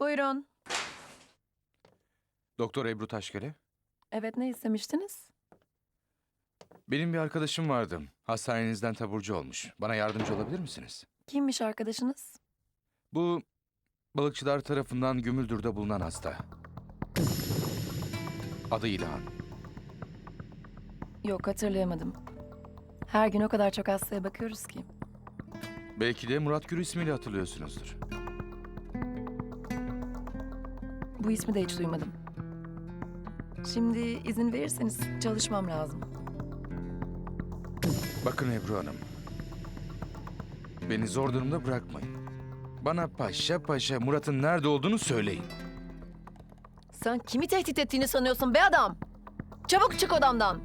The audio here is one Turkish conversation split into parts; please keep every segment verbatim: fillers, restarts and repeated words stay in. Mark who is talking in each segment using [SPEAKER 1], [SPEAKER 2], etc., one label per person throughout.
[SPEAKER 1] Buyurun.
[SPEAKER 2] Doktor Ebru Taşkale.
[SPEAKER 1] Evet, ne istemiştiniz?
[SPEAKER 2] Benim bir arkadaşım vardı. Hastanenizden taburcu olmuş. Bana yardımcı olabilir misiniz?
[SPEAKER 1] Kimmiş arkadaşınız?
[SPEAKER 2] Bu balıkçılar tarafından Gümüldür'de bulunan hasta. Adı İlhan.
[SPEAKER 1] Yok, hatırlayamadım. Her gün o kadar çok hastaya bakıyoruz ki.
[SPEAKER 2] Belki de Murat Gür ismiyle hatırlıyorsunuzdur.
[SPEAKER 1] Bu ismi de hiç duymadım. Şimdi izin verirseniz çalışmam lazım.
[SPEAKER 2] Bakın Ebru Hanım. Beni zor durumda bırakmayın. Bana paşa paşa Murat'ın nerede olduğunu söyleyin.
[SPEAKER 1] Sen kimi tehdit ettiğini sanıyorsun be adam? Çabuk çık odamdan.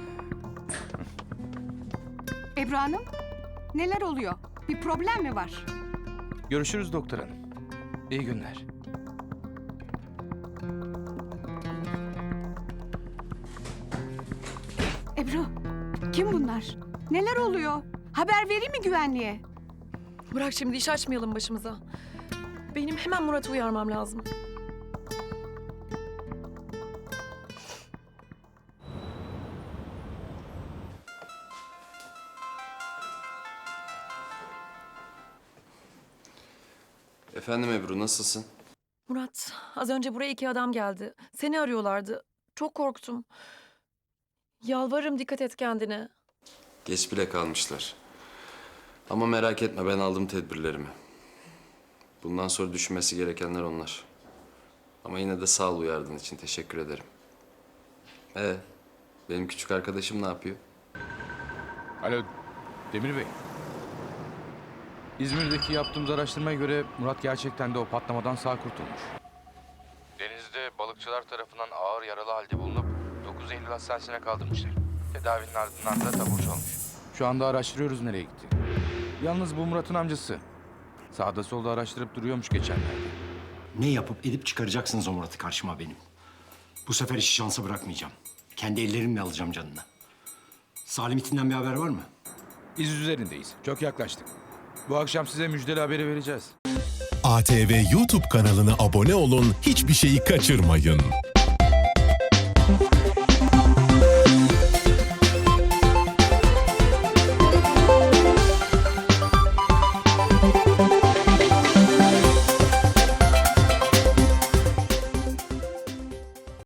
[SPEAKER 3] Ebru Hanım, neler oluyor? Bir problem mi var?
[SPEAKER 2] Görüşürüz doktor hanım. İyi günler.
[SPEAKER 3] Ebru, kim bunlar? Neler oluyor? Haber vereyim mi güvenliğe?
[SPEAKER 1] Bırak şimdi, iş açmayalım başımıza. Benim hemen Murat'ı uyarmam lazım.
[SPEAKER 4] Efendim Ebru, nasılsın?
[SPEAKER 1] Murat, az önce buraya iki adam geldi. Seni arıyorlardı. Çok korktum. Yalvarırım, dikkat et kendine.
[SPEAKER 4] Geç bile kalmışlar. Ama merak etme, ben aldım tedbirlerimi. Bundan sonra düşünmesi gerekenler onlar. Ama yine de sağ ol uyardığın için, teşekkür ederim. Ee, benim küçük arkadaşım ne yapıyor?
[SPEAKER 2] Alo Demir Bey. İzmir'deki yaptığımız araştırmaya göre Murat gerçekten de o patlamadan sağ kurtulmuş. Denizde balıkçılar tarafından ağır yaralı halde bulunup dokuz Eylül hastanesine kaldırmışlar. Tedavinin ardından da taburcu olmuş. Şu anda araştırıyoruz nereye gitti. Yalnız bu Murat'ın amcası. Sağda solda araştırıp duruyormuş geçenlerde.
[SPEAKER 5] Ne yapıp edip çıkaracaksınız o Murat'ı karşıma benim. Bu sefer işi şansa bırakmayacağım. Kendi ellerimle alacağım canını. Salim itinden bir haber var mı?
[SPEAKER 2] İz üzerindeyiz. Çok yaklaştık. Bu akşam size müjdeli haberi vereceğiz.
[SPEAKER 6] A T V YouTube kanalına abone olun, hiçbir şeyi kaçırmayın.